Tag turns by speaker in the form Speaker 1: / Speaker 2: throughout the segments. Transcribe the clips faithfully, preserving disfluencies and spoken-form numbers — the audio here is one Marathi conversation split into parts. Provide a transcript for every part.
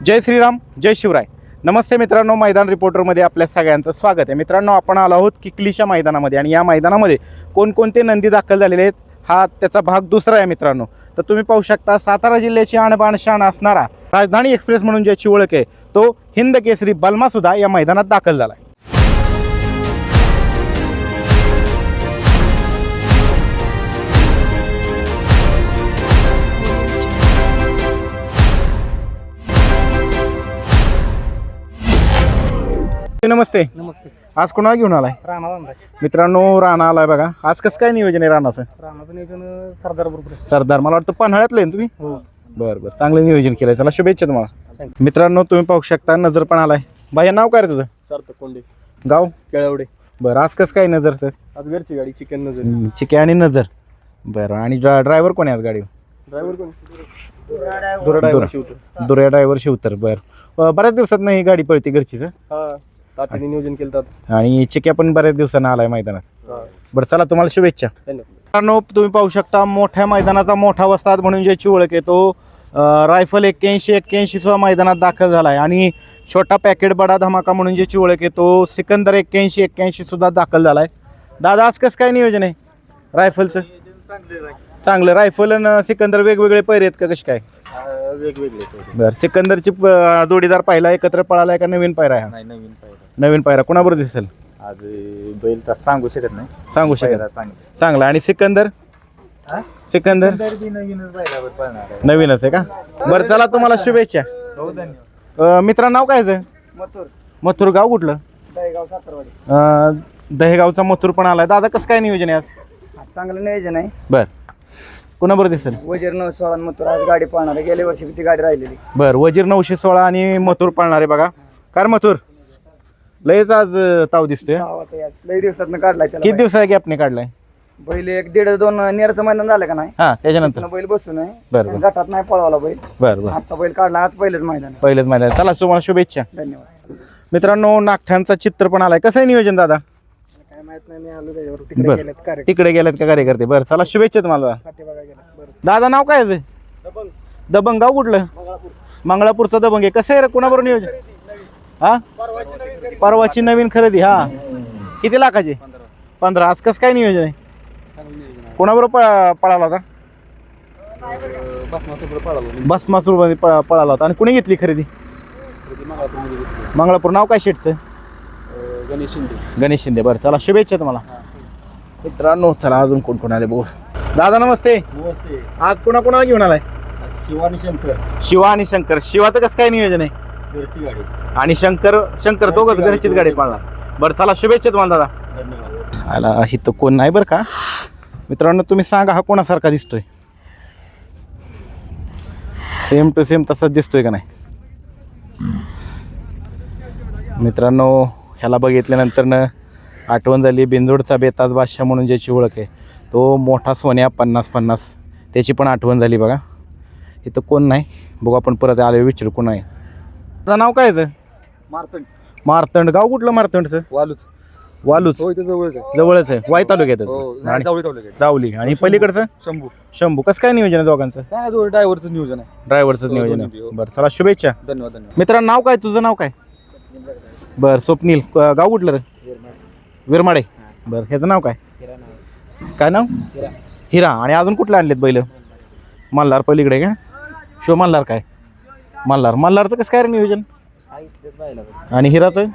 Speaker 1: जय श्रीराम, जय शिवराय. नमस्ते मित्रांनो, मैदान रिपोर्टरमध्ये आपल्या सगळ्यांचं स्वागत आहे. मित्रांनो, आपण आलो आहोत किकलीच्या मैदानामध्ये आणि या मैदानामध्ये कोणकोणते नंदी दाखल झालेले आहेत हा त्याचा भाग दुसरा आहे मित्रांनो. तर तुम्ही पाहू शकता सातारा जिल्ह्याची आणबाण शान असणारा राजधानी एक्सप्रेस म्हणून ज्याची ओळख आहे तो हिंद केसरी बलमा सुद्धा या मैदानात दाखल झाला आहे. नमस्ते.
Speaker 2: नमस्ते.
Speaker 1: आज कोणाला घेऊन आलाय?
Speaker 2: राणा आणलाय
Speaker 1: मित्रांनो, राणा आलाय बघा. आज कसं काय नियोजन आहे राणाचं?
Speaker 2: राणाचं नियोजन सरदार बरोबर आहे.
Speaker 1: सरदार, मला वाटतं पन्हाळ्यातलं आहे ना तुम्ही?
Speaker 2: हो.
Speaker 1: बरं बरं, चांगलं नियोजन केलंय. चला शुभेच्छा तुम्हाला. मित्रांनो, तुम्ही पाहू शकता नजर पण आलाय. बाया, नाव काय रे तुझं?
Speaker 2: सार्थक कोंडे,
Speaker 1: गाव
Speaker 2: केळवडे.
Speaker 1: बरं, आज कसं काय नजरचं?
Speaker 2: आज घरची गाडी चिकन नजर.
Speaker 1: चिके आणि नजर. बरं, आणि ड्रायव्हर कोण आहे आज गाडी?
Speaker 2: ड्रायव्हर कोण? दुरा ड्रायव्हर शिवतो.
Speaker 1: दुर्या ड्रायव्हर शिवतर. बरं, बऱ्याच दिवसात नाही ही गाडी पळती घरचीच.
Speaker 2: हा, तात्याने नियोजन केलं तर.
Speaker 1: आणि चिक्या पण बऱ्याच दिवसानं आलाय मैदानात. बरं, चला तुम्हाला शुभेच्छा.
Speaker 2: धन्यवाद.
Speaker 1: मित्रांनो, तुम्ही पाहू शकता मोठ्या मैदानाचा मोठा वस्ताद म्हणून ज्याची ओळख आहे तो रायफल एक्क्याऐंशी एक्क्याऐंशी सुद्धा मैदानात दाखल झाला आहे. आणि छोटा पॅकेट बडा धमाका म्हणून ज्याची ओळख आहे तो सिकंदर एक्क्याऐंशी एक्क्याऐंशी सुद्धा दाखल झाला आहे. दादा, आज कसं काय नियोजन आहे रायफलचं? चांगलं. रायफल आणि सिकंदर वेगवेगळे पैरे आहेत का कसे काय?
Speaker 2: वेगवेगळे.
Speaker 1: बरं, सिकंदरची जोडीदार पाहिला एकत्र पळालाय का नवीन पायरा आहे?
Speaker 2: नाही, नवीन पाहिजे.
Speaker 1: नवीन पायरा कोणाबरोबर दिसेल?
Speaker 2: आज बैल तर सांगू शकत नाही.
Speaker 1: सांगू शकत. चांगला. आणि सिकंदर? सिकंदर
Speaker 2: नवीनच बैलावर पळणार आहे.
Speaker 1: नवीनच आहे का? बरं, चला तुम्हाला शुभेच्छा.
Speaker 2: हो, धन्यवाद.
Speaker 1: मित्रा, नाव काय आहे?
Speaker 2: मथुर.
Speaker 1: मथुर. गाव कुठलं?
Speaker 2: दहेगाव सातारवाडी.
Speaker 1: अं, दहेगावचा मथुर पण आलाय. दादा, कसं काय नियोजन आहे आज?
Speaker 2: चांगलं नियोजन आहे.
Speaker 1: बर, कोणाबरोबर दिसेल?
Speaker 2: वजीर नऊ सोळा मथुर आज गाडी पळणार आहे. गेल्या वर्षी ती गाडी राहिलेली.
Speaker 1: बर, वजीर नऊशे सोळा आणि मथुर पाळणार आहे बघा. कार मथुर लयच आज ताव दिसतोय.
Speaker 2: लई दिवसात काढलाय त्याला.
Speaker 1: किती दिवसा गॅपने काढलाय?
Speaker 2: बैल एक दीड दोन नेरचं मैदान झालं का नाही?
Speaker 1: हा, त्याच्यानंतर
Speaker 2: बैल बसून आहे.
Speaker 1: बरं.
Speaker 2: गटात नाही पळवला बैल.
Speaker 1: बर बर,
Speaker 2: आता बैल काढला. आज पहिलेच मैदान.
Speaker 1: पहिलेच मैदान. चला तुम्हाला शुभेच्छा.
Speaker 2: धन्यवाद.
Speaker 1: मित्रांनो, नागठांचा चित्र पण आलाय. कसं आहे नियोजन दादा?
Speaker 2: काय माहित नाही, आलो त्याच्यावर.
Speaker 1: बरं.
Speaker 2: तिकडे गेलेत कार्य
Speaker 1: तिकडे गेलेत का कार्यकर्ते? बरं, चला शुभेच्छा तुम्हाला. दादा, नाव काय आहे?
Speaker 2: दबंग.
Speaker 1: दबंग. गाव कुठलं? मंगळापूरचा दबंग आहे. कसं आहे रे, कोणाबरोबर नियोजन? हा, परवाची नवीन खरेदी. हा, किती लाखाची? पंधरा. आज कसं काय नियोजन आहे? कोणाबरोबर पळाला होता? बसमासूर पळाला होता. आणि कुणी घेतली खरेदी? मंगळापूर. नाव काय शेटचं?
Speaker 2: गणेश शिंदे.
Speaker 1: गणेश शिंदे. बरं, चला शुभेच्छा तुम्हाला. मित्रांनो, चला अजून कोण कोण आले बघू. दादा नमस्ते.
Speaker 2: नमस्ते.
Speaker 1: आज कोणा कोणाला घेऊन आलाय?
Speaker 2: शिवा आणि शंकर.
Speaker 1: शिवा आणि शंकर. शिवाचं कसं काय नियोजन आहे?
Speaker 2: घरची गाडी.
Speaker 1: आणि शंकर शंकर दोघंच घरचीच गाडी पाळणार. बरं, चला शुभेच्छा तुम्हाला दादा.
Speaker 2: धन्यवाद.
Speaker 1: आला इथं कोण नाही बरं का मित्रांनो. तुम्ही सांगा हा कोणासारखा दिसतोय? सेम टू सेम तसाच दिसतोय का नाही मित्रांनो? ह्याला बघितल्यानंतर न आठवण झाली बिंदोडचा बेताज बादशाह म्हणून ज्याची ओळख आहे तो मोठा सोन्या पन्नास पन्नास, त्याची पण आठवण झाली बघा. इथं कोण नाही, बघू आपण परत आलो विचारू कोण आहे. त्याचं नाव काय आहे?
Speaker 2: मारतंड.
Speaker 1: मारतंड. गाव कुठलं मारतंडचं?
Speaker 2: वालूच.
Speaker 1: वालूच.
Speaker 2: हो, इथे जवळच आहे.
Speaker 1: जवळच आहे. वाई तालुक्यात
Speaker 2: आणि
Speaker 1: जावली. आणि पलीकडचं
Speaker 2: शंभू.
Speaker 1: शंभू. कसं काय नियोजन आहे दोघांचं?
Speaker 2: काय ड्रायव्हरचं नियोजन आहे.
Speaker 1: ड्रायव्हरचंच नियोजन आहे. बरं, चला शुभेच्छा.
Speaker 2: धन्यवाद. धन्यवाद.
Speaker 1: मित्रांनो, नाव काय तुझं? नाव काय? बरं, स्वप्नील. गाव कुठलं रे? विरमाडे. बरं, ह्याचं नाव काय? काय नाव? हिरा. आणि अजून कुठलं आणलेत बैल? मल्हार पलीकडे का? शो मल्हार. काय मल्हार? मल्हारचं कसं काय रे नियोजन? आणि हिराचं?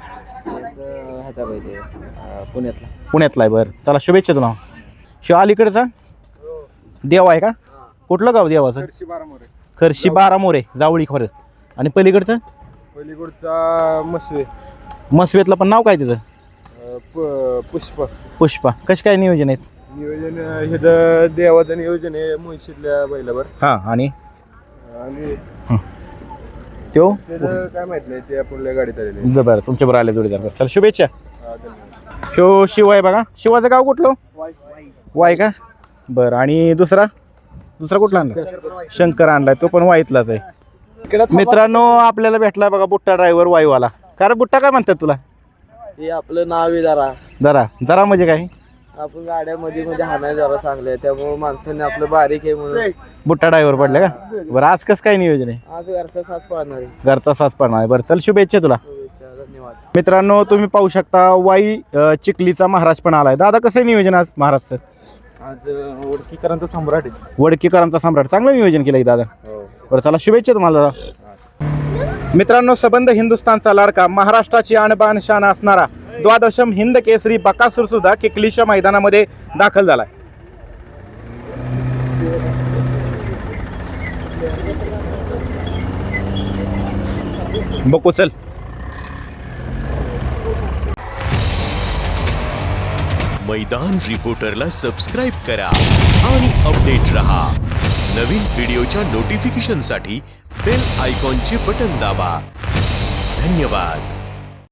Speaker 2: पुण्यातला.
Speaker 1: पुण्यातला आहे. बरं, चला शुभेच्छा तुला. शिव अलीकडचा देव आहे का? कुठलं गाव देवाचं? खर्शी बारा मोरे जावळी खरं. आणि पलीकडचं?
Speaker 2: पलीकडचा मसवे.
Speaker 1: मसवेतलं पण नाव काय तिथं?
Speaker 2: पुष्पा.
Speaker 1: पुष्पा. कशी काय नियोजन आहेत?
Speaker 2: नियोजन हे देवाचं नियोजन आहे मुळशीतल्या बैलावर.
Speaker 1: हां. आणि
Speaker 2: आणि
Speaker 1: तो
Speaker 2: काय माहित नाही, ते आपल्या गाडीत आलेले.
Speaker 1: बरं, तुमच्याबरोबर आले जोडीदार. बरं, चला शुभेच्छा. शो शिव आहे बघा. शिवाचं गाव कुठलं? वाय का? बरं. आणि दुसरा दुसरा कुठला आणला? शंकर आणलाय, तो पण वाईतलाच आहे. मित्रांनो, आपल्याला भेटला बघा बुट्टा ड्रायव्हर वाईवाला. कारण बुट्टा काय म्हणतात तुला?
Speaker 2: हे आपलं नाव आहे जरा.
Speaker 1: जरा जरा म्हणजे काय?
Speaker 3: आपण गाड्या मध्ये मध्ये हाणाय जरा चांगल्या आहे त्यामुळे माणसाने आपलं बारीक आहे म्हणून
Speaker 1: बुट्टा ड्रायव्हर पडले का बरं आज कसं काय नियोजन आहे
Speaker 3: आज घरचा साथ पाळणार आहे.
Speaker 1: घरचा साच पडणार आहे बरं चल शुभेच्छा तुला
Speaker 3: शुभेच्छा, धन्यवाद.
Speaker 1: मित्रांनो तुम्ही पाहू शकता वाई अ, चिखलीचा महाराज पण आलाय दादा कसं आहे नियोजन आज महाराजचं
Speaker 2: आज ओळखीकरांचा सम्राट आहे.
Speaker 1: वडकीकरांचा सम्राट चांगलं नियोजन केलंय दादा बरं चला शुभेच्छा तुम्हाला दादा मित्रांनो सबंध हिंदुस्थानचा लाडका महाराष्ट्राची आणबाण शान असणारा द्वादशम हिंद केसरी बकासूर सुद्धा किकलीच्या मैदानामध्ये दाखल झालाय बघू चल
Speaker 4: मैदान रिपोर्टरला सबस्क्राइब करा आणि अपडेट रहा. नवीन व्हिडिओच्या नोटिफिकेशनसाठी बेल आयकॉनचे बटन दाबा. धन्यवाद.